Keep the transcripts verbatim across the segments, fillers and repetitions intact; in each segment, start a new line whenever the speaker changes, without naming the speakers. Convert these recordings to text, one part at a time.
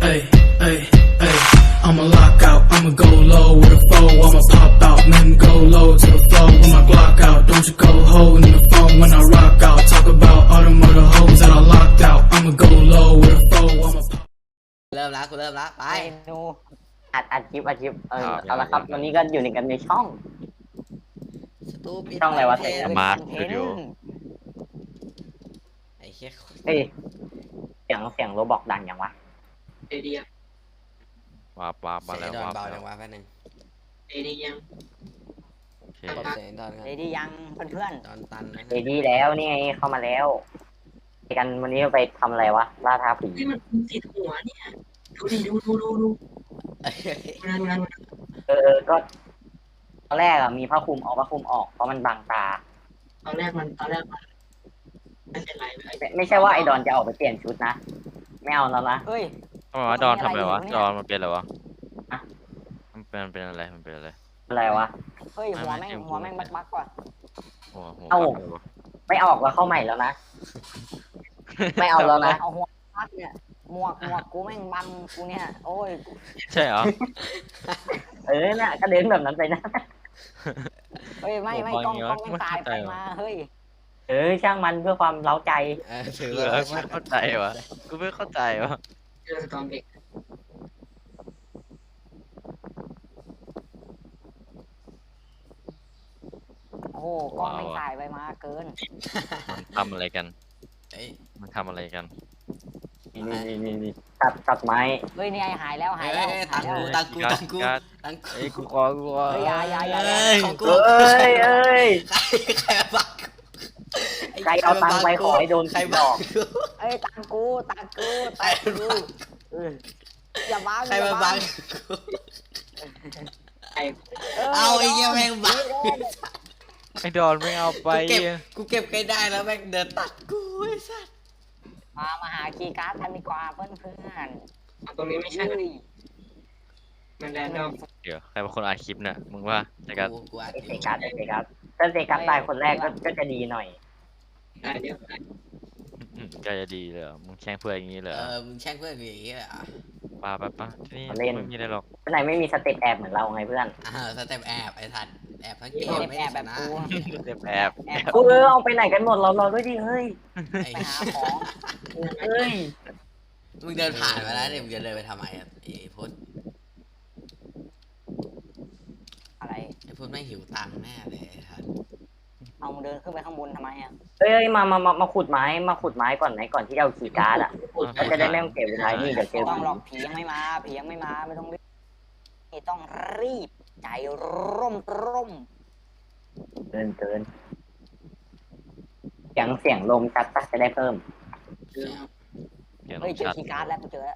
Ay, ay, ay. I'ma lock out, I'ma go low with a foe. I'ma pop out, then go low to the floor with my Glock out. Don't you go holding the phone when I rock out. Talk about all them other hoes that I locked out. I'ma go low with a foe. I'ma pop.
เริ่มละกูเริ่มละไป
เมนูอัดอัดคลิปอัดคลิปเออเอาละครับวันนี้ก็อยู่ในกันในช่อง
สตูปิด
ช่องอะไรวะ
เทน
มา
คอนเท
สตู
น
ดิโอ
ต์
ไอ้เหี้ย
เฮ้ยเสียงเสียงโรบอกดังยังวะ
เอเดียว
าบวาบมา
เสีย
แล้
ง
ว
ดอน
วาบ
เบา
แล้
จั
ว
งวะแป๊บนึง
เอเดียยัง
โอเค
กดเสียงดอนกัน
เรดี้ยังเพื่อน
ดอนตันนะ
ๆเรดี้แล้วนี่ไงเข้ามาแล้วไปกันวันนี้ไปทำอะไรวะล่าท้าผี
ที่มันติดหัวเนี่ยดูดิดูดูดูดูดูนะดูนะดูนะ
เออเออก็ตอนแรกอะมีผ้าคลุมเอาผ้าคลุมออกเพราะมันบังตา
ตอนแรกมันตอนแรกมันไม่เป็นไรไม่
ไม่ไม่ใช่ว่าไอ้ดอนจะออกไปเปลี่ยนชุดนะไม่เอาแล้วนะเฮ้ย
ทำไมวะดอนทำอะไรวะ
เนี่ย
ดอนมันเป็นอะไรวะ
อะ
มันเป็นมันเป็นอะไรมันเป็นอะไร
อะไรวะ
เฮ้ยหัวแม่งหัวแม่งบักบักว่ะ
หัวหัว
เอ้า
บักเลยวะ
ไม่ออกแล้วเข้าใหม่แล้วนะ ไม่เอาแล้วนะ
เอาหัวบักเนี่ยหมวกหมวกกูแม่งบังกูเนี่ยโอ้ย
ใช่เหรอ
เออเนี่ยก็เดินแบบนั้นไปนะ
เฮ้ยไม่ไม่
หัว
กล้อง
บัง
กล้อง
เยอะ
แม่งตาย
ไม่
ไป
เข้าใจ
มาเฮ้ย
เออช่างมันเพื่อความเล้าใจ
เออถือ
เออ
ว่า
ไม่เข้าใจวะกูไม่เข้าใจวะ
เจอสตอมเด็ก
โอ้โหกล้องแม่งตายไปมาเกิน
มันทำอะไรกัน
เอ้ย
มันทำอะไรกัน
นี่นี่นี่นี่ตัดตัดไม้
เฮ้ยนี่ไอหายแล้วหาย
เอ้
แล้ว
ย
หา
ตั
ย
ง
แล้ว
กูตังกูตังกู
การ์ด
ตังกู
เอ้ยกูขอกูขอ
เฮ้ยอยาอยาอยา
เอ้ยของกู
เอ้ยเอ้ย
ใครใครมาบัก
ใครเอาตังค์ไปขอให้โดน
ใคร
ผีหล
บั
อก ก
เอ้ยตังกูตังกู
ใคร
ตัง
มา
กู
บัก
เออ
อย่าบัง
ใคร
อย่า
มา
บั
บั
ง
ก
ไอ้
เอาไอ้เหี้ยแม่งบัก
ไอ้ดอนไม่เอาไป
กูเก็บกูเก็บใครได้แล้วแม่งเดินตัดกูไอ้สัส
มามาหาคีย์การ์ดกันดีกว่าเพื่อนเพื่อน
ตรงนี้ไม่ใช่
เฮ้ย
มันแรนดอม
เดี๋ยวใครเป็นคนอัดคลิปเนี่ยมึงว่าแต่กัน
กูกูอัด
ไอ
อ
เซ
ยู่
กัสไอเซกัสถ้าเซกัสตายคนแรกก็ก็จะดีหน่อย
ได้เดี๋ยว
อืมก็จะดีเลยเหรอมึงแช่งเพื่อนอย่างนี้เลย
เอ
เหรอ
อมึงแช่งเพื่อนกูอย่างงี้เลยเหรอ่ะ
ปาไปปะที่นี่ไม่มีอะไรหรอก
คนไหนไม่มีสเต็ปแอบเหมือนเราไงเพื่อน
อ้าวสเต็ปแอบไอ้ทันแอบทั้งเกม
แอบ
ไม่
แอ
ได้
บ
ช
แบบ
นะ
กู
เรียบแอบ
แอบ
เออเอาไปไหนกันหมดเรารอด้วยดิเฮ้ย
ไอ้
ไปหาของ
เอ้ย
มึงเดินผ่านมาแล้วเนี่ยมึงจะเดินไปทำไมอ่ะไอ้พุทธ
อะไร
ไอ้พุทธไม่งหิวตังค์แน่เลยไอ้ทัน
เอามึงเดินขึ้นไปข้างบนทำไมอ่ะ
เอ้ยมามามามาขุดไม้มาขุดไม้ก่อนไหนก่อนที่จะเอาขี่การ์ดอ่ะก็จะได้ไม่ต้องเก็บเวลานี่เดี๋ยวเจอ
ต้อง
ผี
หรอกผียังไม่มาผียังไม่มาไม่ต้องรีบนี่ต้องรีบใจร่มร่ม
เกินเกินเสียงเสียงลมชัดปะจะได้เพิ่ม
เจอ
เดี๋ยว
เฮ้ยเจอ
ชัด
คีย์การ์ดแล้วกูเจอแล้ว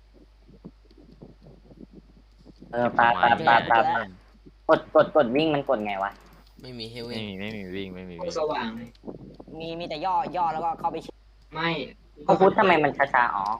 เออปลาปลาปลาปลาปลากดกดกดวิ่งมันกดไงวะ
ไม่มีเฮล
ไม่
วิ่ง
มีไม่มีวิ่งไม่มี
โค
วิ่ง
สว่างเลย
มีมีแต่ย่อย่อแล้วก็เข้าไปชิด
ไม่
พระพุทธทำไมมันช้าๆอ๋อ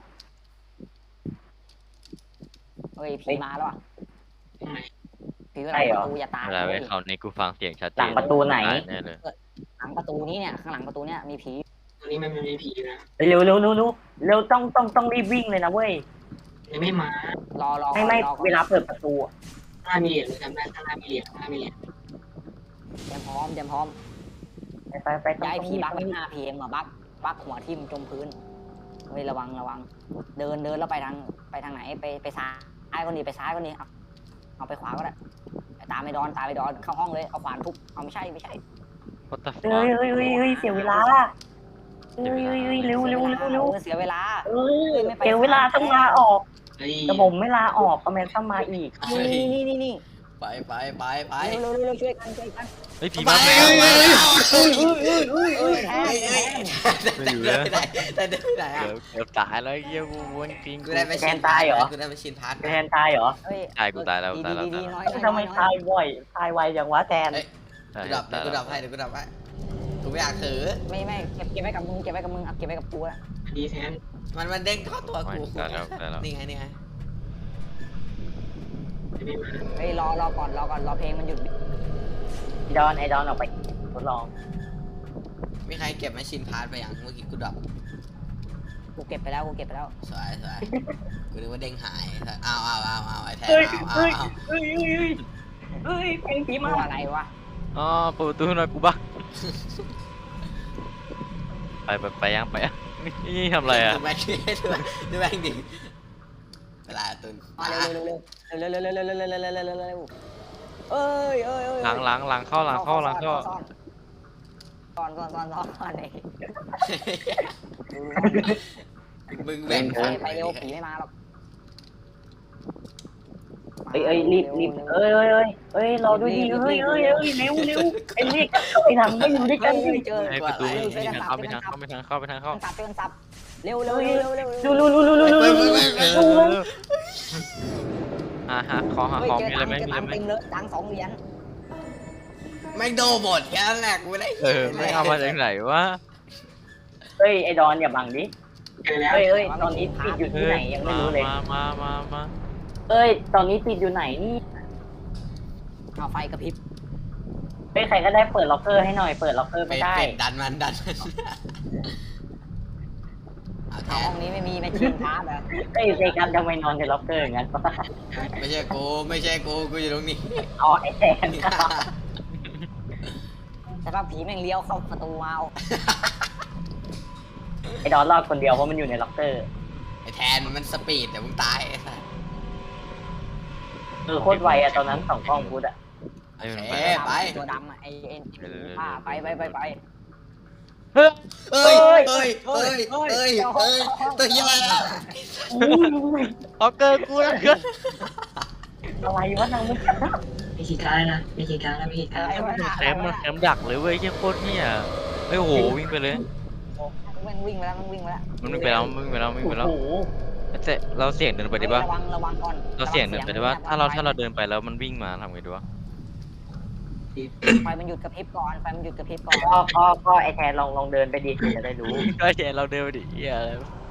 เฮ้ยผีมาแล้วอ่ะ
ตรงไหน
ผีเวลาประตูอย่าตาย
เวลาไปเขาในกูฟังเสียงชัดเจน
หลังประตูไหน
แน่เลย
หลังประตูนี้เนี่ยข้างหลังประตูเนี่ยมีผี
ตรงนี้มันมีผีนะ
เร็วเร็วเร็วเร็วเร็วต้องต้องต้องรีบวิ่งเลยนะเว้ย
ยังไม่มาร
อรอ
ไม่ไม่
รอก่อน
เวลาเปิดประตูอะ
ข้างหน้ามีเหรียญเลยจำได้ข้างหน้ามีเหรียญข้างหน้ามีเหรียญ
เตรียมพร้อมเตรียมพร้อม
ไปไปไปต้อง
ย้าย
ต้อง
ผี
รีบ
บัก
ต้อง
ไม่
รีบ
หน้าพีเอ็มอะบักบักหัวทิ่มจมพื้นเฮ้ยระวังระวัง เดินเดินแล้วไปทางไปทางไหนไปไปซ้ายก็ดีไปซ้ายก็ดีเอาเอาไปขวาก็ได้ตามไปดอนตามไปดอนเข้าห้องเลยเอาขวานทุบเอาไม่ใช่ไม่ใช่
วัตถุ
เฮ้ยเฮ้ยเฮ้ยเฮ้ยเสียเวลาเฮ้ยเฮ้ยเฮ้ยเร็วเร็วเร็วเร็ว
ออเสียเวลา
เออเสียเวลาต้องลาออก
เฮ้ย
แต่ผมไม่ลาออกก็แม่ต้องมาอีก
นี่นี่นี่นี่
ไปไปไปไป
เร็วเร็วเร็วช่วยกันช่วยกัน
เฮ้ยผี
ไป
มา
ไป
แล้ว
ไป
เอ้ยแทน
เอ้ย
ไม่อยู่
เดิ
แล้ว
นไปไหนแต่เดินไปไหนอ่ะ
เดี๋ยวเดี๋ยวตายแล้วเยี่ยกูวนจริง
กู
กู
ได้ไปชินพาร์ทกูได้ไปชินพาร์ท
แทนตายเหรอ
เฮ้ย
ตายกูตายแล้ว
ดี
ตายแล้ว
ดี
ตาย
ดี
แล้ว
น้อย
ทำไมตายบ่อยตายไวอย่างวะแทน
ตาย
กูดับ
ตาย
กู
แล้
ดั
ว
บให้เดี๋ยวกูดับให้กูไม่อยากถือ
ไม่ไม่เก็บเก็บไว้กับมึงเก็บไว้กับมึงเอาเก็บไว้กับกูอะ
ดีแทน
มันมันเด้งเข้าตัวกู
ตายแล้วตายแล้ว
นี่ไงนี่ไง
ยังไม่มา
เฮ้ยรอรอก่อนรอก่อนรอเพลงมันหยุด
ดอนไอดอนออกไปทดลอง
มีใครเก็บแมชชีนพาร์ทไปยังเมื่อกี้กูดับ
กูเก็บไปแล้วกูเก็บไปแล้ว
สวยสวยกูนึกว่าเด้งหายอ้าวอ้าวอ้าวอ้าวไอ้แทน
เฮ้ย
อ้าวอ้าว
เฮ้ย
อ้าว
เฮ้ยเฮ้ยเฮ้ยเพลงผี
ก
มา
ลัวอะไรวะ
อ๋อเปิดประตูหน่อยกูบ้าไปไปไปยังไปยังนี่ทำอะไรอ่ะ
ดูแม่งดิดูดูแม่งดิเวลาตุน
มาเร็วเร็วเร็วเร็วเร็วเร็วเร็วเร็วเร็วเร็วเร็วเร็วเร็วเร็วเอ้ยเอ้ยเอ้ย
หลังหลังหลังเข้าหลังเข้าหลังเข้า
ซ่อนซ่อนซ่อนซ่อนซ่อนไอ้
มึงแบ่ง
ไป
ฝั่ง
ไปเร็วผีไม่มาหรอก
เอ้ยเอ้ยรีบรีบเอ้ยเอ้ยเอ้ยเอ้ยรอด้วยดิเอ้ยเอ้ยเอ้ยเร็วเร็วไอ้นี่ไอ้ทำไม่อยู่ด้วย
เฮ้
กัน
ย
ดิ
เจอ
ให้ประตูไม่ทางเข้าไม่ทางเข้าไม่ทางเข้าไม่ทางเข้า
สับเป็นสับเร็วเร็วเร็วเร็ว
ดูดูดูดูดูดู
เฮ้ย
ดู
เฮ้ยเฮ้ย
เอ
เฮ้ย
อหาหาขอหา
เฮ้ย
ของ
เจอ
มีอะไร
ตัง
ไหม
ค์เจอ
มีอะไร
ตังค์
ไหม
เต็มเลยตังค์สองเหรียญ
แม่งโดนหมดแค่นั้นแหละกูไม่ได้
เออไม่เอามาจากไหนวะ
เฮ้ยไอ้ดอนอย่าบังดิ
เจอแล้ว
เฮ้ยเฮ้ยตอนนี้ติดอยู่
เอ
ที่
อ
ไหนยังไม่
มา
รู้เลย
มามามามา
เอ้ยตอนนี้ติดอยู่ไหนนี่
เอาไฟกระพริบ
เฮ้ยใครก็ได้เปิดล็อกเกอร์ให้หน่อยเปิดล็อกเกอร์
เป็
ไม่
น
ได้
เป็นดันมันดันมันเอาแท
เอาห้
น
องนี้ไม่มีแมชชีนพาร์ทเหรอ
เฮ้ยเซกันทำไมนอนในล็อกเกอร์อย่างนั้นวะ
ไม่ใช่กูไม่ใช่กูกูอยู่ตรงนี้
อ๋อไอ้แทน
แต่ว่าผีแม่งเลี้ยวเข้าประตูมาเอา
ไอ้ดอนรอดคนเดียวเพราะมันอยู่ในล็อกเกอร์
ไอ้แทนมันสปีดแต่มึงตายไอ้สัส
เออโคตรไวอะตอนนั้นสองกล้องพุทธอะ
ไอ้มัน
เอ๊
ไป
ะ
ตัวดำอะไอเอ็นอ่าไปไปไปไป
เฮ้ย
เอ้ยเอ้ยเอ้ยเอ้ยเอ้ยเอ้ยตัวเหี้ยอะไรอะ
เอาเกินกูแล้วเกิน
อะไรวะนางมุก
มีขีดการนะมีขีดการนะมีขีดการ
แคมมันแคมดักเลยเว้ยเฮียโคตรเฮียเฮ้ยโหวิ่งไปเลย
มันวิ่งไปแล้วมันวิ่งไปแล้ว
มันวิ่งไปแล้วมันวิ่งไปแล้วมันวิ่งไปแล้ว
โอ้โห
แต่เราเสี่ยงเดินไปดิปะ
ระวังระวังก่อน
เราเสี่ยงเดินไปดิปะถ้าเราถ้าเราเดินไปแล้วมันวิ่งมาทำไงดีวะ
ไฟมันหยุดกระพริบก่อนไฟมันหยุดกระพริบก่อน
พ่อพ่อพ่อไอ้แทนลองลองเดินไปดิจะได้รู้
ก็เจเราเดินไปดิเฮียอะไร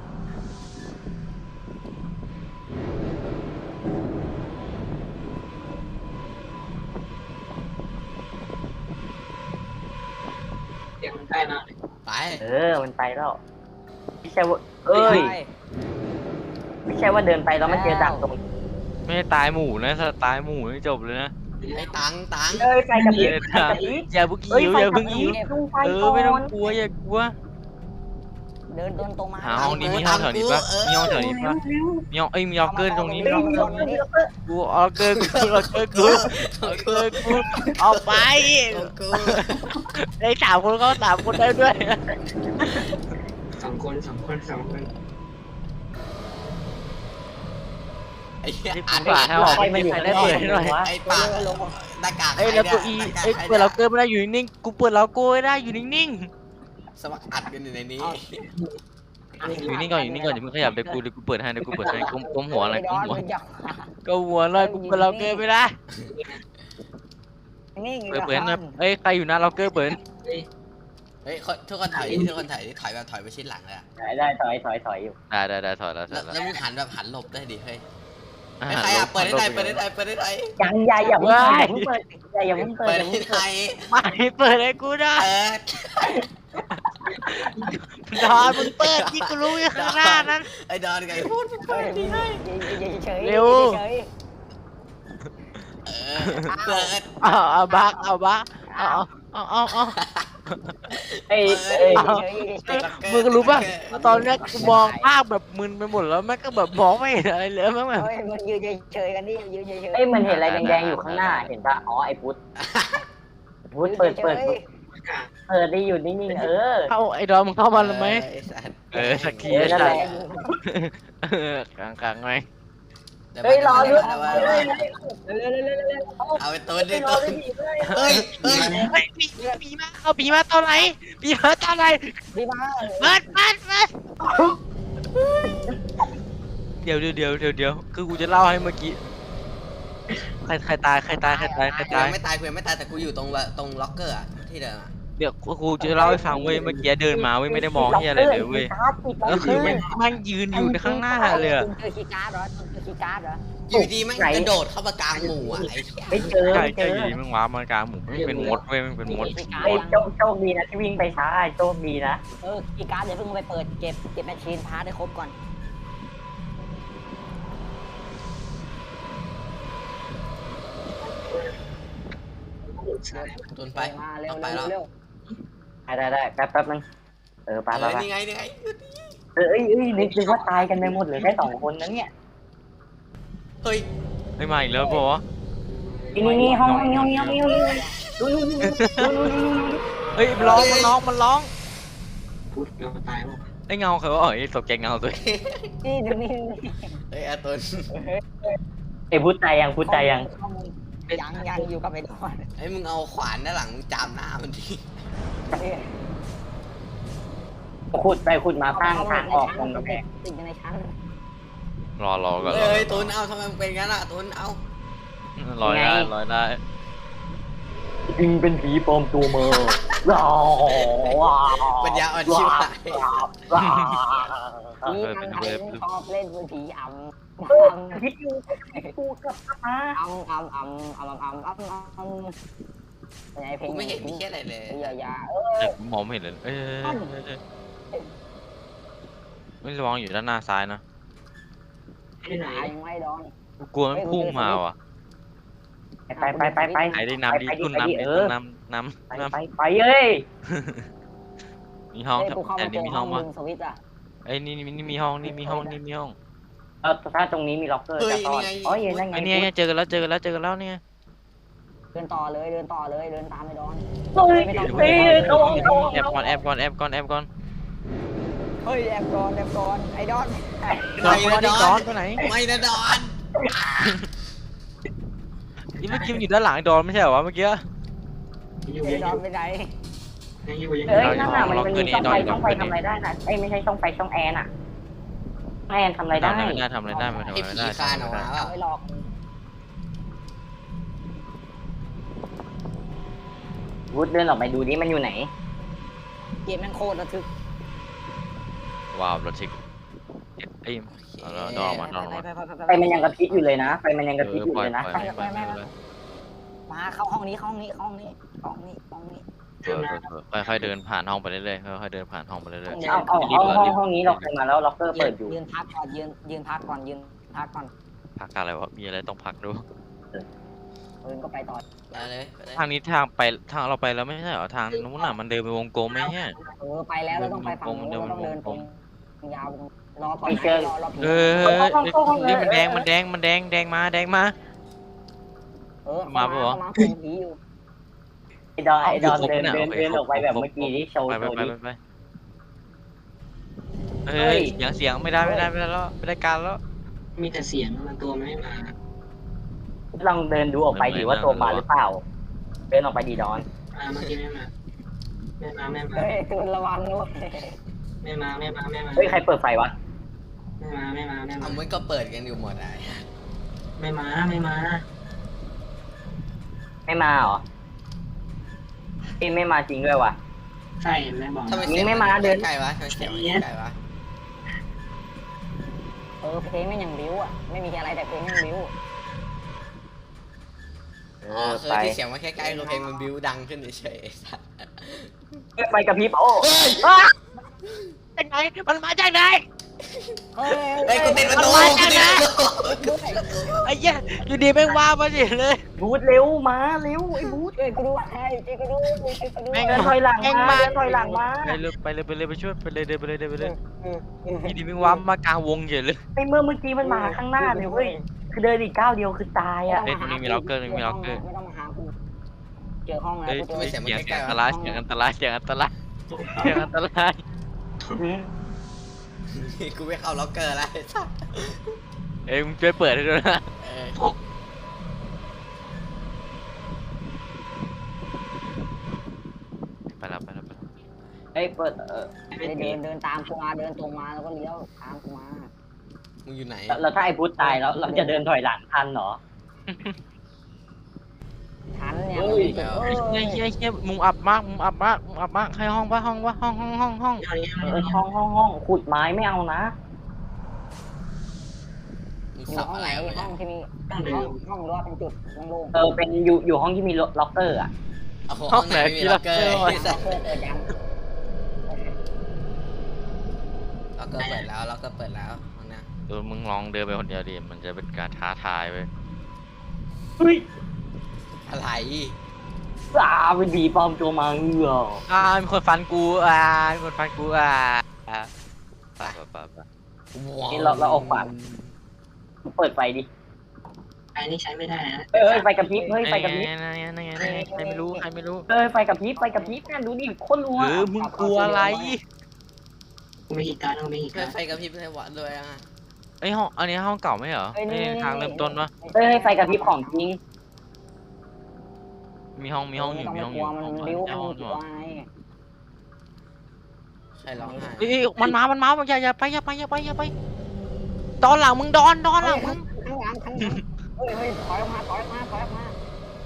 เสียงมันใกล้มากเลย
ไป
เออมันไปแล้วไม่ใช่ว่าเอ้ยไม่ใช่ว่าเดินไปแล้วมันเจอดักตรง
ไม่ได้ตายหมู่นะถ้าตายหมู่นี่จบเลยนะ
ไอ้ตังตัง
เอ้ยไฟกับพริบ
เออ
ไฟกับพริบ
อย่าเพิ่ง
เอ้ย
ยิ้ว
ไฟ
อย่า
กับ
เพิ่ง
พริ
ยิ้ว
บดูไฟ
เออ
ก่
ไม่ต้อง
อน
กลัวอย่ากลัว
เดินเดินตรงมา
หาห้องนี้มีห้องแถวนี้ปะมีห้องแถวนี้ปะมีห้องเอ้ยมีล็อกเกอร์ตรงนี้มีล็อกเกอร์กูเอาล็อกเกอร์กูล็อกเกอร์กูล็อกเกอร์กูเอาไป
ของกู
ได้สามคนเขาสามคนได้ด้วย
สองคนสองคนสองคน
ไอ้เหี้ย
นี่
อั
กู
น
ฝากให้ออกมีใครได้เปิดให้หน่อย
ไอ้ปากหน้ากาก
เอ้ยแล้วตัวอีเอ้ยเปิดล็อกเกอร์ไม่ได้อยู่นิ่งๆกูเปิดล็อกเกอร์ไม่ได้อยู่นิ่ง
สมัครอัดกันอยู่ในนี้
ๆอยู่นิ่งก่อนอยู่นิ่งก่อนอย่าเพิ่งขยับเดี๋ยวกูเดี๋ยวกูเปิดให้เดี๋ยวกูเปิดให้ก้มก้มหัวอะไรก้มหัว ก็หัวเลยกูเปิดล็อกเกอร์ไม่ได้
นี่
เปิดเปิดนะเอ้ยใครอยู่หน้าล็อกเกอร์เปิด
เฮ้ยทุกคนถอยทุกคนถอยถอยแบบถอยไปชิดหลังเลยอะ
ได้ได้ถอยถอยถอยอยู่
ได้ได้ได้ถอยแล้วถ
แล้
อ
วย
แล้ว
แล้วมึงหันแบบหันหลบได้ดิเฮ้ย
อ่า
ไม่ใครอะเปิดได้ไหนเปิดได้ไหนเปิดได้ไหน
ยังอย่าอย่าเพิ่งเปิดอย่าเพิ่งเปิดอย่าเพิ่งเปิด
เปิ
อ
ด
ย่า
ได้
เพิ่ง
ไหน
เปิด
ไม่เปิดให้กูได้
เปิด
ดอนมึงเปิดที่กูรู้อยู่ข้างหน้านั้น
ไอ้ดอนไงพูด
เฮ้ยเฉย
เร็ว
เออเปิด
เอาเอาบักเอาบักเอาเอาเอาเอา
เอ้ยเอ้ย
มึงรู้ป่ะตอนแรกกูมองภาพแบบมึนไปหมดแล้วแม่งก็แบบมองไม่เห็นอะไรเลยแม่งแบบ
เฮ้ยมันยืนเฉยๆกันนี่ยืนเฉยๆ
เอ้ยมันเห็นอะไรแดงๆอยู่ข้างหน้าเห็นปะอ๋อไอ้พุทธพุทธเปิดเปิดเปิดได้อยู่นิ่งๆเออ
เข้าไอ้ดอนมึงเข้ามาแล้วไหม
ไอ้สัตว์
เออสักที
เออนั่นแหละ
เออกลางกลางๆไง
เฮ้ยรอด้วย
เอาไปตัวดิ
ร
ตั
อ
ว
ด้วยดิเฮ้ย
เฮ้ยเฮ้ย
เฮ้ยปีปีมาเอาปีมาตอนไหนปีมาตอนไหน
ดีมาก
เปิดเปิดเปิดเดี๋ยวเดี๋ยวเดี๋ยวเดี๋ยวเดี๋ยวคือกูจะเล่าให้เมื่อกี้ใครใครตายใครตายใครตายใคร
กู
ตาย
ยังไม่ตายกูยังไม่ตายแต่กูอยู่ตรงตรงล็อกเกอร์อะที่เดิมอะ
เดี๋ยวกูจะเล่าให้ฟังเว้ยเมื่อกี้เดินมาเว้ยไม่ได้มองที่อะไรเลยเว้ยก็คือแม่งแม่งยืนอยู่ข้างหน้าเลยอะ
เจอคีย์การ์ดเหรอเจอคีย์การ์ดเหรอ
อยู่ดีแม่งกระโดดเข้ามากลางหมู่อ่ะไอ้เหี้ย
ไม่เจอ
ใช่
ไม่เจ
ใช่
อ
อยู่ดีมึงว้ามากลางหมู่ไม่เป็นมดเว้ยมันเป็นมด
ไอ้โชคโชคดีนะที่วิ่งไปช้าโชคดีนะ
เออคีย์การ์ดเดี๋ยวเพิ่งไปเปิดเก็บเก็บแมชชีนพาร์ทให้ครบก่อน
ตุนไป
มาเร็ว
เอาไป
เร็ว
แล้ว
เร็ว
ได้ได้ได้แป๊บแป๊บนึงเออไป
เอ
ไป
อ
ไป
นี่ไงนี่ไง
เออเอ้ยเอ้ยนึกนึกว่าตายกันไปหมดเหลือแค่สองคนนั้นเนี่ย
เฮ้ย
ไม่มาอีกแล้วปะ
นี่นี่นี่ห้องห้องนี้ห้องนี้ห้องนี้ห้องนี้ดูดูดูดูดูดู
เฮ้ยมันร้องมันร้องมันร้อง
พุทธเราตายหมด
ไอ้เงาเขาว่าเอ้ยตกใจเงาตัว
นี่ดูนี่
เฮ้ยอาตุน
ไอ้พูดใจยังพูดใจยัง
ยังยังอยู่กับไอ้ดอน
ไอ้มึงเอาขวานด้านหลังมึงจามหน้ามันดิ
ขุดไปขุดมาสร้างทางออกตรงกำแพง
ติดอยู่ในชั้น
รอรอก่อนรอ
เฮ้ยตุนเอาทำไมมึงเป็นงั้นอ่ะตุนเอา
รอได้รอได้
จริงเป็นผีปลอมตัวมาว้าวว้าว
ปัญญาอ่อนชิบหาย
ว้าว
นี่มันไทยชอบเล่นเป็นผีอ่ำ
คิดอยู่กูกลับมา
อ่ำอ่ำอ่ำอ่ำอ่ำอ่ำอ่ำอ่ำไงเพลง
กูไม่เห็นมีแค่อะไรเลย
อย่าอย่าเอ
แต่
อ
ผมมองไม่เห็นเลยเอ้ยไม่ระวังอยู่ด้านหน้าซ้ายนะ
ที่ไหน
ยังไม่ดอน
กลัวมันพุ่งมาว่ะ
ไปไปไปไป
ไหนได้น้ำดีตุ้นน้ำดีตุ้นน้ำน้ำ
ไป
น้
ไปไปเอ้ย
ำมีห้อง
กูเข้า
แต่
มาเจ
นี่
อ
มี
ห้
ห้
อ
อง ง
ดึ
วะ
งสวิตช์อ่ะ
ไอ้นี่นี่มีห้องนี่มีห้องนี่มีห้อง
เออถ้าตรงนี้มีล็อกเกอร์จะซ่อนอ๋อเย็นนั่นไง
ไอ้เนี่ยเจอกันแล้วเจอกันแล้วเจอกันแล้วเนี่ย
เดินต่อเลยเดินต่อเลยเดินตามไอ้ดอน
เฮ้ยเฮ้ยโดนโดน
แอบก่อนแอบก่อนแอบก่อนแอบก่อน
เฮ้ยแอบก่อนแอบก่อนไอ้ดอน
ไม่นะด
ด
อ
อน
น
ไปไหน
ไม่นะดอน
นี่เมื่อกี้มันอยู่ด้านหลังดอนไม่ใช่เหรอวะเมื่อกี้
อยู่
ไอ้
ยัง
ด
อ
อน
ยู่
ไปไหน
ยังอยู่ยังอ
เอ้ย
ยู่
นั่นน่ะมันมันมีช่องไฟช่องไฟทำอะไรได้นะเอ้ยไม่ใช่ช่องไฟช่องแอร์น่ะแอร์ทำอะไรได้
ไม่ได้ทำอะไรได้ไม่ทำ
ไอ้
อะไร
ผี
ได้
คานออกมาเปล่า
ไม่หลอก
วูดเดินออกไปดูดิมันอยู่ไหน
เกมแม่งโคตรระทึก
ว้าวรถชิกไอ้ดอนมาดอนมา
ไฟมันยังกระพริบอยู่เลยนะไฟมันยังกระพริบอยู่
ปล่อย
เลยนะ
ปล่อยปล่อยปล่อย
มาเข้าห้องนี้เข้าห้องนี้เข้าห้องนี้ห้องนี้ห้องนี้
ค่อยๆเดินผ่านห้องไปเรื่อยๆค่อยๆเดินผ่านห้องไปเรื่อย
เอาเอาเอาห้องห้องนี้เราเคยมาแล้วล็อกเกอร์เปิดอยู่
ยืนพักก่อนยืนยืนพักก่อนยืนพักก่อน
ๆพักอะไรวะมีอะไรต้องพักดู
เดินก็ไปต่อ
ไปเลยไปเลย
ทางนี้ทางไปทางเราไปแล้วไม่ใช่เหรอทางนู้นน่ะมันเดินไปวงกลมไหมเนี่ย
เออไปแล้วเราต้องไปฝั่งนู้นเราต้องเดินตรงยาวรอก่อนรอรอผี
เออนี่มันแดงมันแดงมันแดงแดงมาแดงมา
เออมามาผีอยู่
ไอ้ดอนไอ้ดอนเดินเดินเดินออกไปแบบเมื่อกี้ที่โชว์
ไป
โช
ไป
ว์
ไป
ดิ
ไปเฮ้ยเสียงเสียงไม่ได้ไม่ได้ไม่ได้แล้วไม่ได้การแล้ว
มีแต่เสียงมันตัวมันไม่มา
ลองเดินดูออกไปดิว่าตัวมาหรือเปล่า เดินออกไปดีดอน
อ่าเมื่อกี้ไม่มาไม่มาไม่มา
เฮ้ยคุณระวังด้วย
ไม่มาไม่มาไม่มา
เฮ้ยใครเปิดไฟวะ
ไม่มาไม่มาไม่มา
เอามันก็เปิดกันอยู่หมดอ่ะ
ไม่มาไม่มา
ไม่มาเหรอเอ้ยไม่มาจริงด้วยวะ
ใช่ไม่บอก
ทำไม
นี่
เสียง
ไม่มาเดิน
ใกล้วะทำไมเสียงมันใกล้วะ
เออเพลงไม่ยังบิ้วอ่ะไม่มีอะไรแต่เพลงยังบิ้ว
เอ
อ๋อ
อ
คือ
ไป
ที่เสียงมันใกล้ๆคือเพลงมันบิ้วดังขึ้นเฉยๆ
ไฟกระพริบโอ้
จากไหนมันมาจากไหน
เฮ้ย
ไอ้กูติดประตูกูติดประตู
ไอ้เหี้ยอยู่ดีแม่งว่ามาสิเลย
บูทเร็วมาเร็วไอ้บูท
เฮ้ยกูดูให้เจ๊กูดูกูดู
เดินถอยหลังมาเดินถอยหลังมา
ไปเลยไปเลยไปเลยไปช่วยไปเลยเดินไปเลยเดินไปเลยอยู่ดีแม่งว่ามากลางวงเฉยเลย
ไอ้เมื่อเมื่อกี้มันมาข้างหน้าเลยเว้ยคือเดินอีกก้าวเดียวคือตายอ่ะ
ไม่ต้องมาหากูเจอห้องแล้ว
เฮ้ย
กูเจอ
เสียงอันตรายเสียงอันตรายเสียงอันตรายเสียงอันตราย
กูไม่เข้าล็อกเกอร์แล้ว
เอ้ยมึงช่วยเปิดให้ด้วยนะ
เออ
ไปแล้วไปแล้วไปแล้ว
เฮ้ยเปิดเออ
เดินเดินตามกูมาเดินตรงมาแล้วก็เลี้ยวตามกูมา
มึงอยู่ไหน
แล้วถ้าไอ้บูทตายแล้วเราจะเดินถอยหลังทันเหรอ
ทันเนี่ย
เฮ้ย
เฮ้ย
เฮียเฮียเฮียมุมอับมากมุมอับมากมุมอับมากให้ห้องปะห้องปะห้องห้องห้องห้อง
เอาอย่างเงี้ย
เออห้องห้องห้องขุดไม้ไม่เอานะ
มึง
อยู่
สับ
ห้อง
อะ
ไห
ไร
น
วะ
ห้
เนี่
อง
ย
ที่มี
ต้องเดิ
ห้อน งห้องรอเป็นจุดโล่ง
เออเป็นอยู่อยู่ห้องที่มีล็อกเกอร์อ่ะ
โอ้โหห้องไหนไม่มีล็อกเกอร์
ๆ
ไอ้สัส
เปิดเปิดยัง
ล็อกเกอร์เปิดแล้วล็อกเกอร์เปิดแล้วห้องน้
เออมึงลองเดินไปคนเดียวดิมันจะเป็นการท้าทายไป
เฮ้ย
ำอะไร
อ่าเป็นผีปลอมตัวมาเงือ
อ่ามีคนฟันกูอ่ามีคนฟันกูอ่าอ่าไปไปไป
นี่เราเราออกปากเปิดไฟดิ
ไอ้นี่ใช้ไม่ได้นะ
เอ้ยไฟกระพริบเฮ้ยไฟกระพริบ
นั่นไงนั่นไงนั่นไงใครไม่รู้ใครไม่รู้
เอ้ยไฟกระพริบไฟกระพริบนั่นดูดิโคตรรัว
หรือมึงกลัวอะไร
กูไม่ขีดการกูไม่ขีด
เพื่
กา
อ
ร
ไฟกระพริบในวัดด้วยอ่ะ
ไอยห้องอันนี้ห้องเก่าไม่เหรอ
เอ้ย
ไอ
นี่
ทางเริ่มต้นปะ
เอ้ยไฟกระพริบของจริง
มีห้องมีห้องอยู่มีห้องอยู่
มัน
ห้อง
บิ้ว
ห้อง
มันกลัวไง
ใครร้องไห้
เอ้ยมันมามันมาอย่าอย่าไปอย่าไปอย่าไปอย่าไปดอนหลังมึงดอนดอนหลังมึง
ข้างหลังข้างหลังเฮ้ยเฮ้ยถอยออกมาถอยออกมาถอยออกมา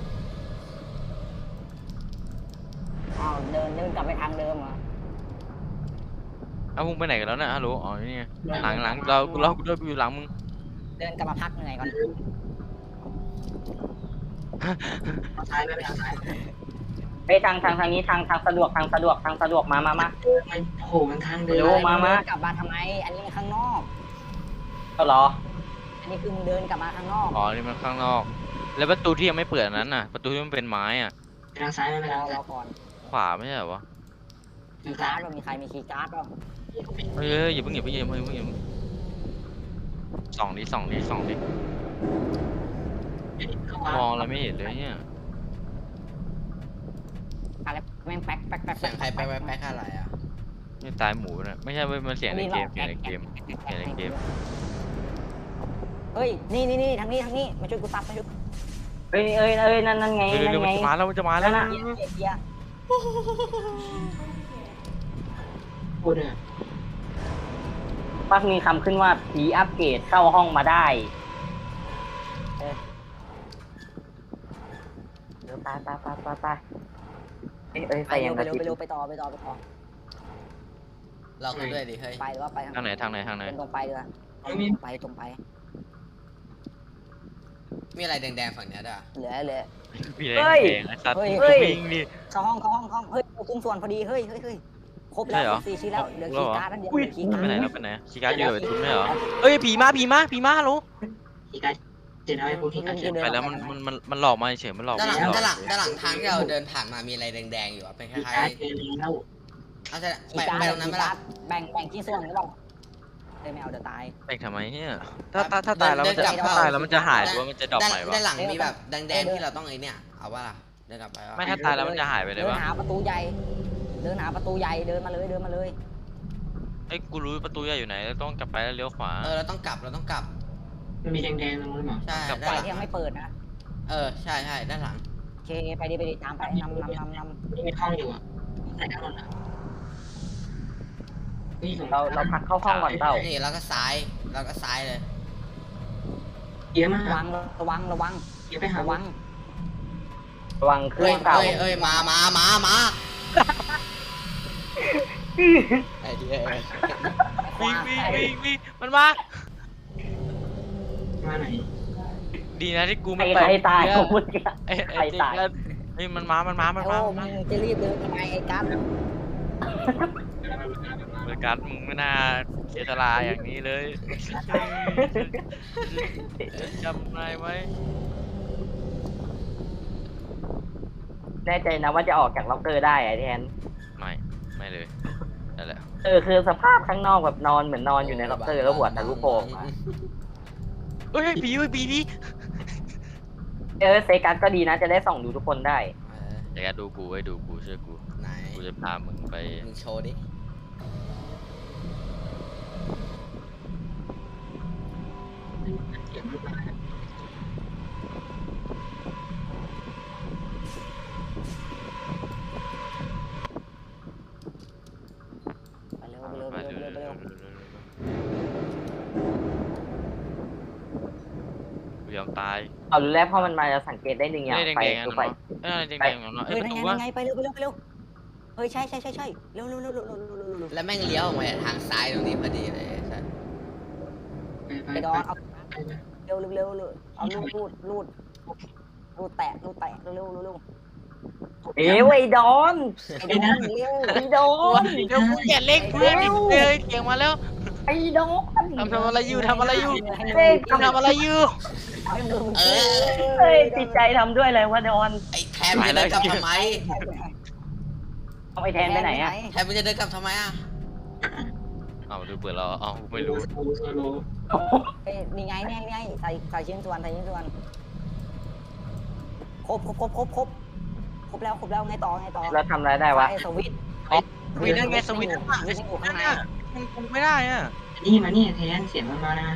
อ้าวเดินเดินกลับไปทางเดิมเหรอ
เอามึงไปไหนกันแล้วเนี่ยฮัลโหลอ๋อนี่ไงหลังหลังเราเราเราอยู่หลังมึง
เดินกลับมาพักเหนื่อยก่อน
เอาซ้ายไม่ไปทางซ้าย
ไปทางทางทางนี้ทางทางสะดวกทางสะดวกทางสะดวกมามามา
มันโผล่มันทางเดิน
เร็วมามา
กลับมาทำไม อันนี้มันข้างนอก
ก็รอ
อันนี้คือมึงเดินกลับมาข้างนอก
อ๋อนี่มันข้างนอก แล้วประตูที่ยังไม่เปิดอันนั้นน่ะประตูที่มันเป็นไม้อ่ะ
ไปทางซ้ายไม่ไป
รอ
ทาง
ร
ซ้า
อย ก่อน
ขวาไม่ใช่เหรอวะ
อยู่
การ์
ซ้า
ด
ย
เรามีใครมีคีย์การ์ดบ้าง
เฮ้ยเฮ้ยอย่าเพิ่งอย่าเพิ่งอย่าเพิ่งอย่าเพิ่งอย่าเพิ่งส่องดิส่องดิส่องดิ
เข้ามาม
องอะไรไม่เห็นเลยเนี่ย
อะไรแม่งแป๊กแป๊กแป๊ก
เสียงใครไปไปแป๊กอะไรอ่ะ
นี่ตายหมูน่ะไม่ใช่เว้ยมันเสียงในเกมเสียงในเกมเสียงในเกม
เฮ้ย นี่นี่นี่ทางนี้ทางนี้ มาช่วยกูซับมาช่วย
เอ้ยเอ้ยเอ้ยนั่นนั่นไง
เร็ว
นั่
เร็วน มั
ไง
นจะมาแล้วมันจะมาแล้วนะ
เกียร์เกียร์เกียร์
พูดเลย
ปักมีคำขึ้นว่าผีอัปเกรดเข้าห้องมาได้เออเดี๋ยวตายตายตายตายตายเอ้ยเอ้ยไฟ
ไป
ยั
เร็
ง
ว
ก
ไประ เร็ว
พริบ
ไปเร็วไปต่อไปต่อไปต่อ
เราคุยด้วยดิเฮ้ย
ไปหรือว่าไปทาง
ทางไหนทางไหนทางไหน
ตรงไปเลย
ไม่มี
ไปตรงไป
มีอะไรแดงๆฝั่งเนี้ยด้วย
เหลือเหลือ
พี่แดงแดงไอ้สัตว์วิ่งดิ
เข้าห้องเข้าห้องเข้าห้องเฮ้ยคุ้มส่วนพอดีเฮ้ยเฮ้ยเฮ้ยครบ
ใช่
แล้ว
เหรอ
สี่ชิ้นแล้วเหลือคีย์การ์ดนั่นเดียวเหลือคีย์การ์
ไป
ด
ไหนแล้วไปไหนชีการ์ดอยู่กับทุนไม่เหรอเอ้ยผีมาผีมาผีมาฮัลโหล
ขีดการเจ็ดเอาไอ้พวกขีดการเจ็ด
ไปแล้วมันมันมันมันหลอกมาเฉยมันหลอก
ด้านหลัง
มันหลอก
ด้านหลังด้านหลังทางที่เราเดินผ่านมามีอะไรแดงๆอยู่อ่ะเป็นค
ขีด
ล้าย
การเจอแล้ว
ๆเอาจะไป
คีย์การ์
ไป
ด
ตรงนั้นไหม
คีย์
ล่ะ
การ์ดแบ่งแบ่งชิ้นส่วนหรือเปล่าเฮ้ยไม่เอาเดี๋ยวตาย
ไปทำไมเนี่ยถ้าถ้าถ้าตายแล้วมันจะถ้าตายแล้วมันจะหายหรือว่ามันจะดรอป
ด้าน
ใหม่วะ
ด้านหลังมีแบบแดงๆที่เราต้องไอ้เนี่ยเอาว่าล่ะเดินกลับไปว่า
ไม่ถ้าตายแล้วมันจะหายไปเลย
เดิน
วะ
หาประตูใหญ่ เดินหาประตูใหญ่เดินมาเลยเดินมาเลย
ไอ้กูรู้ประตูใหญ่อยู่ไหนต้องกลับไปแล้วเลี้ยวขวา
เออเราต้องกลับเราต้องกลับ
มันมีแดงๆตรงนู้นหรอ
ใช่
กลับ
ด้าน
ไฟ
หลัง
ที่ยังไม่เปิดนะ
เออใช่ใช่ด้านหลัง
โอเคไปดิไปดิตามไปนำนำนำนำ
มีห้องอยู่อ่ะไหนกันหมดอ่ะนี่ของ
เราเราพักเข้าห้องก่อนเปล่า
นี่เราก็ซ้ายเราก็ซ้ายเลย
เยอะมาก
ระวังระวังระวัง
เยอะไปหา
ระวัง
ระวังเครื่
เอ้
อย งเก่า
เอ้ยเอ้ยมามามามาไอ้เดีย
วิ่งวิ่งวิ่งวิ่งมันมา
มาไหน
ดีนะที่กู
ใคร
ไม่ไป
ใครตาย
เ
ของมึงอะ
อ้ย
ใคร
ไอ้
ตาย
เจ๊เฮ้ยมันมา มันมา มัน
โอ้
มา
มึ
มัน
งจะรีบเดินทำไมไอ้กัส
เบอร์การ์ดมึงไม่น่าเสียสละอย่างนี้เลยจำได้ไหม
แน่ใจนะว่าจะออกจากล็อกเกอร์ได้ไอ้แทน
ไม่ ไม่เลยนั่นแหละ
เออคือสภาพข้างนอกแบบนอนเหมือนนอนอยู่ในล็อกเกอร์แล้วหัวทะลุโป่งมา
เฮ้ยผีเฮ้ยผีผี
เออเซกัสก็ดีนะจะได้ส่องดูทุกคนได้
เออ
เดี๋ยวดูกูไว้ดูกูเชื่อกู
ไหน
กูจะพามึงไป
มึงโชว์ดิ
เก็บรูปมา
ไปเร็วไปเร็วไปเร็วไปเร็วไปเร็ว
กูยอมตาย
เอารู้แล้วเพราะมันมาจะสังเกตได้หนึ่งอย่าง
เฮ้ยแดง
ไป
ๆอ่ะ
ดูไป
เนาะเอ้ยแดงๆอ่ะเนาะเอ้
เฮ้
ย
ย
ประ
นั่น
ตู
ไง
ว่า
นั่นไงไปเร็วไปเร็วไปเร็วเฮ้ยใช่ใช่ใช่ใช่เร็วเร็วเร็วเร็วเร็วเร็วเร็วเร็ว
แล้วแม่งเลี้ยวออกมาทางซ้ายตรงนี้พอดีเลยไอ้สัส
ไปไป
ไอ้ด
ไป
อนเอา
ไปไป
เร็วเร็วเร็วเร็วเอาลูดลูดลูดลูดแตะลูดแตะเร็วเร็วเร็วเร็ว
เอ้ยไอ้ดอน
ไอ้ดอนเร็ว
ไอ้ดอน
เดี๋ยวกูแกะเล็กเพื่อนดิเฮ้ยเกียงมาแล้ว
ไอ้ดอน
ทำทำอะไรอยู่ทำอะไรอยู่
เฮ้ย
ทำอะไรอยู่
เออ
เฮ้ยติดใจทำด้วยอะไรวะดอน
ไอ้แทนมึงจะเดินกลับทำไม
เอาไปแทนไปไหนอะ
แทนมึงจะเดินกลับทำไมอ่ะ
เอาดูเปิดเราเอาไม่รู้
โซโลโซโล
เอ้ยนี่ไงนี่ไงนี่ไงใส่ใส่ชิ้นส่วนใส่ชิ้นส่วนครบครบครบครบครบครบแล้วครบแล้วไงต่อไงต่อ
แล้วทำอะไรได้วะ
ไฟสวิตช์
สวิตช์นั่นไงสวิตช์
สวิตช์อยู่ข้างใน
มันคุมไม่ได้อ่ะ
นี่มานี่แทนเสียงมันมานะ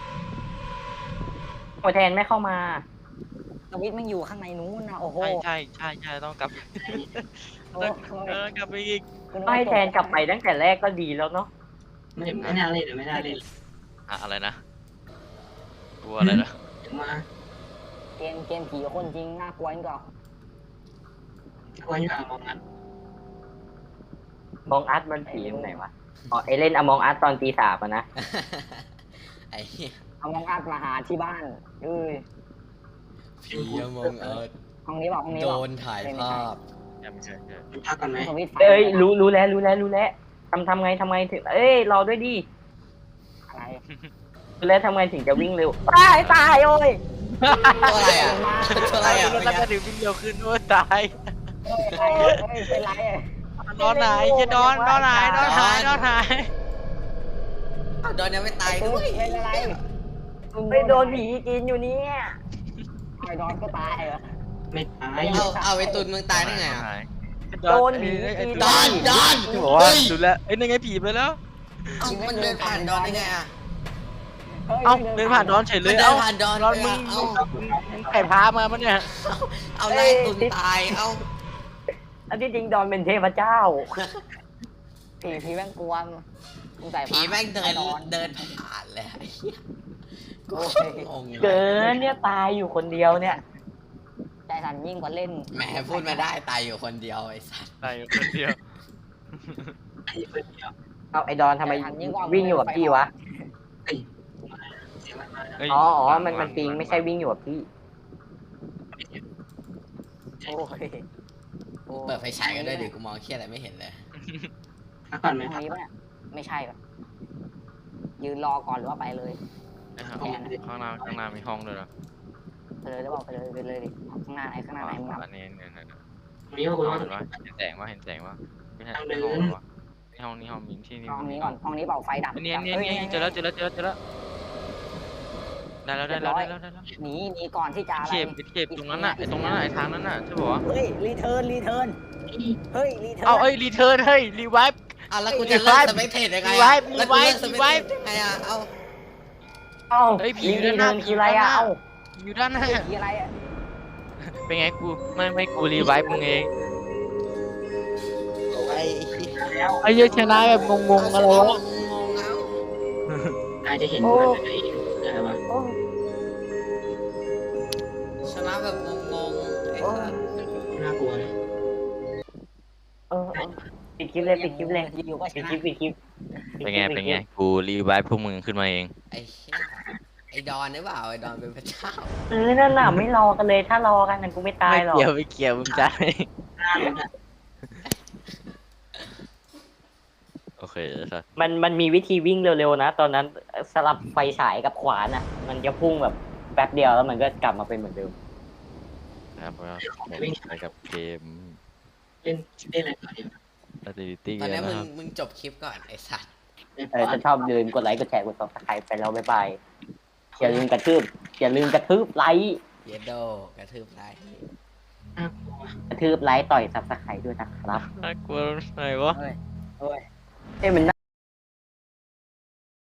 โอแทนไม่เข้ามา
สวิตช์มันอยู่ข้างในนู้นนะโอ้โห
ใช่ใช่ใช่ใช่ต้องกลับ
โอ้โห
เออกลับไปอีก
ก็ให้แทนกลับไปตั้งแต่แรกก็ดีแล้วเนาะ
ไม่ไม่น่าเล่นไม่น่าเล่น
อะอะไรนะกลัวอะไรนะ
เดี๋ยวมา
เกมเกมผีคนจริงน่ากลัวยิ่งกว่า
ควรอยู่อ่ะมองนั้น
มองอาร์ตมันผีตรงไหนวะอ๋อไอเล่นอมองอาร์ตตอนตีสามอะนะ
ไอ้เหี้ย
เอามองอัดมาหาที่บ้านเอ้ย
ผีมองเอิร์ธ
ห้องนี้บอกห้องนี้
โด
บอก
นถ่ายภาพ
ยังไม่ใช่ใช่
พักก่อนไหม
สวิตช์ไฟ
เอ้ยรู้รู้แล้วรู้แล้วรู้แล้วทำทำไงทำไงถึงเอ้ยรอด้วยดิ
อะไร
รู้แล้วทำไงถึงจะวิ่งเร็วตายตายโอ้ย
ตัวอะไรอ่ะตัวอะไรอ่ะ
แล้วก็จะถึงวิ่งเร็วขึ้นโอ้ยตาย
เฮ้ยอะไรเฮ้ยเป็นไรอะ
นอนไหนจะนอนนอนไหนนอนไหนนอนไหน
อ้าวโดนยังไม่ตายด้วย
เป็นอะไร
ไปโดนผีกินอยู่เนี่ย
ไอ้ดอนก็ตายเหรอ
ไม่ตาย
เอาเอาไอ้ตุนมึงตายได้ไงอ่ะ
โดนผีกิน
ดอนดอน
บอกว่าดูแลเอ้ยนี่ไงผีไปแล้ว
เอ้ามันเดินผ่านดอนได้ไงอ่ะ
เอ้าเดินผ่านนอนเฉยเล
มัน
ย
เดิ
เอ้าน
ผ่านดอน
นอน
เล
มึ
ย
ง
อ่ะเอ้า
มึงไก่พามาปะเนี่ย
เอาไล่ตุนตายเอ้า
อันที่จริงดอนเป็นเทพเจ้า
ผีผีแม่งกวนมึงใส่
ผีแม่งเดิน
ไอ้อ
เดินผ่านเลยไอ้เหี้ยกู
โอ้ย
งง
เกินเนี่ยตายอยู่คนเดียวเนี่ย
ใจสั่นยิ่งกว่าเล่น
แหมพูดมาได้ตายอยู่คนเดียวไอ้สัส
ตายอยู่คนเดียว
ไอ้เพื่อนเดียว
เอาไอดอนทำไมวิ่งอยู่กับพี่วะ
เสียงมันมา
เฮ้ย
อ๋ออ๋อมันมันปิงไม่ใช่วิ่งอยู่กับพี่
โอ้ยโอ้ย
เปิดไฟฉายกันด้วยดิกูมองเคี้ยอะไรไม่เห็นเลย
พักก่อนไหม
ห้องนี้ปะเนี่ยไม่ใช่ปะยืนรอก่อนหรือว่าไปเลย
ไอ้ห่าข้างหน้าข้างหน้ามีห้องด้วยนะ
ไปเลยหรือเปล่าไปเลยไปเลยดิข้างหน้าไหนข้างหน้าไหนมึงเอา
อันนี้เนี่ยเนี่ย
มีว่าคุณว่า
เห็นปะเห็นแสงว่าเห็นแสงว่าไม่ใช่ไม่ห้องวะนี่ห้องนี้ห้องมีที่นี่
ห้องนี้ก่อนห้องนี้เปล่าไฟดับ
เนี่ยเนี่ยเนี่ยเจอแล้วเจอแล้วเจอแล้วเจอแล้วได้แล้วได้แล้วได้แล้วได้แล้ว
หนีหนีก่อนที่จะอะไร
เข็บเข็บตรงนั้นน่ะไอ้ตรงนั้นน่ะไอ้ทางนั้นน่ะใช่ป่าวะ
เฮ้ยรีเทิร์นรีเทิร์นเฮ้ยรีเทิร์น
เอาเอ้ยรีเทิร์นเฮ้ยรีไวฟ์
อ่ะแล้วกูจะเลิกสเปกเทสยังไง
รีไว
อ่ะ
ฟ์
แล้วกูเลิกส
รี
เป
ไว
ก
ฟ์
เทสยังไงอ่ะเอา
เอ้า
เฮ้ยผี
ลิง
อยู่
ดี
ด้านห
เทิ
น้า
ร์น
ผี
คือ
อยู่
อะไร
ด้านหน้า
อ่ะเอ้า
อยู่ด้านหน้า
ผีอะไรอ่ะ
เป็นไงกูไม่ไม่กูรีไวฟ์มึงเอง
ไอ้
แล้ว
ไอ้เหี้ยชนะแบบงงๆอะไรวะ
งงเอา
นายจะเห็นมันอะไรอะไรวะ
โอ้
ชนะแบบงงๆไอ้สัส
น่ากลัวเลย
เออเออปิดคลิปเลยปิดคลิปเลย
อยู่ก็ช
ปิด
นะ
คลิปปิดคลิป
เป็นไงเป็นไงกูรีไวฟ์พวกมึงขึ้นมาเอง
ไอ้เหี้ยไอ้ดอนหรือเปล่าไอ้ดอนเป็นพระเจ้า
เออนั่นน่ะไม่รอกันเลยถ้ารอกันนั่นกูไม่ตาย
ไม่
หรอก
เกี่ยวไม่เกี่ยวมึงจะ
หน้ามันอะ
โอเคครับ
มันมันมีวิธีวิ่งเร็วๆนะ ตอนนั้นสลับไฟฉายกับขวานอ่ะ มันจะพุ่งแบบแป๊บเดียวแล้วมันก็กลับมาเป็นเหมือนเดิม
ครับแล้วไปกับเกม
เล่นเล่นอะไรก่อนดีวะ
Activity
ตอนนี้
นะ
มึง
ครับ
มึงจบคลิปก่อนไอ้สัส
เล่น
เออจะชอบลืมกดไลค์กดแชร์กดซับสไครป์ไปแล้วบ๊ายบายอย่าลืมกระทืบอย่าลืมกระทืบไลค์
เยดโดกระทืบไลค์
น่ากลัว
กระทืบไลค์ต่อยซับสไครป์ด้วยนะครับ
น่ากลัวไหนวะ
เฮ้ยเฮ้ย
เอ้ยมัน